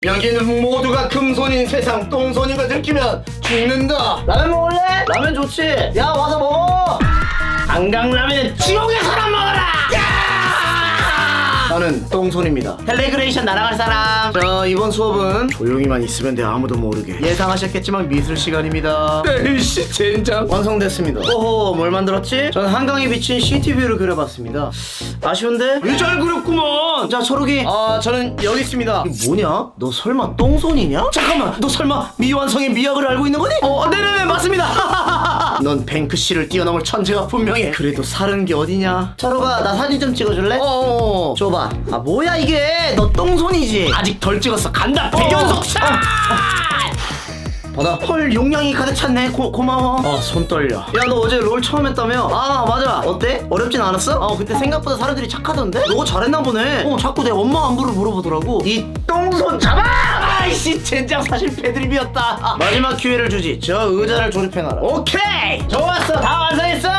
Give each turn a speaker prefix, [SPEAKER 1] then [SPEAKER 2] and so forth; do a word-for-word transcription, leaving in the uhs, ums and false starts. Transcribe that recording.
[SPEAKER 1] 여기는 모두가 금손인 세상 똥손인 걸 들키면 죽는다.
[SPEAKER 2] 라면 먹을래? 라면 좋지. 야 와서 먹어.
[SPEAKER 1] 한강라면은 지옥에서나 먹어라. 나는 똥손입니다.
[SPEAKER 2] 텔레그레이션 날아갈 사람.
[SPEAKER 1] 자, 이번 수업은 조용히만 있으면 돼. 아무도 모르게. 예상하셨겠지만 미술 시간입니다. 에이씨 젠장. 완성됐습니다. 오호, 뭘 만들었지? 전 한강에 비친 시티뷰를 그려봤습니다. 아쉬운데? 왜 잘 그렸구먼. 자, 초록이. 아, 저는 여기 있습니다. 이게 뭐냐? 너 설마 똥손이냐? 잠깐만, 너 설마 미완성의 미학을 알고 있는 거니? 어, 네네네, 맞습니다. 넌 뱅크씨를 뛰어넘을 천재가 분명해. 그래도 사는 게 어디냐?
[SPEAKER 2] 철호가 나 사진 좀 찍어줄래?
[SPEAKER 1] 어어어.
[SPEAKER 2] 줘봐. 아 뭐야 이게? 너 똥손이지?
[SPEAKER 1] 아직 덜 찍었어. 간다. 백연속 샷. 받아.
[SPEAKER 2] 헐 용량이 가득 찼네. 고, 고마워.
[SPEAKER 1] 아, 손 떨려.
[SPEAKER 2] 야 너 어제 롤 처음 했다며? 아 맞아. 어때? 어렵진 않았어? 어 그때 생각보다 사람들이 착하던데? 너 잘했나 보네. 어 자꾸 내 엄마 안부를 물어보더라고. 이 똥손 잡아!
[SPEAKER 1] 아이씨 젠장 사실 패드립이었다.
[SPEAKER 2] 마지막 기회를 주지. 저 의자를 조립해놔라.
[SPEAKER 1] 오케이.
[SPEAKER 2] 좋았어. 다 완성했어.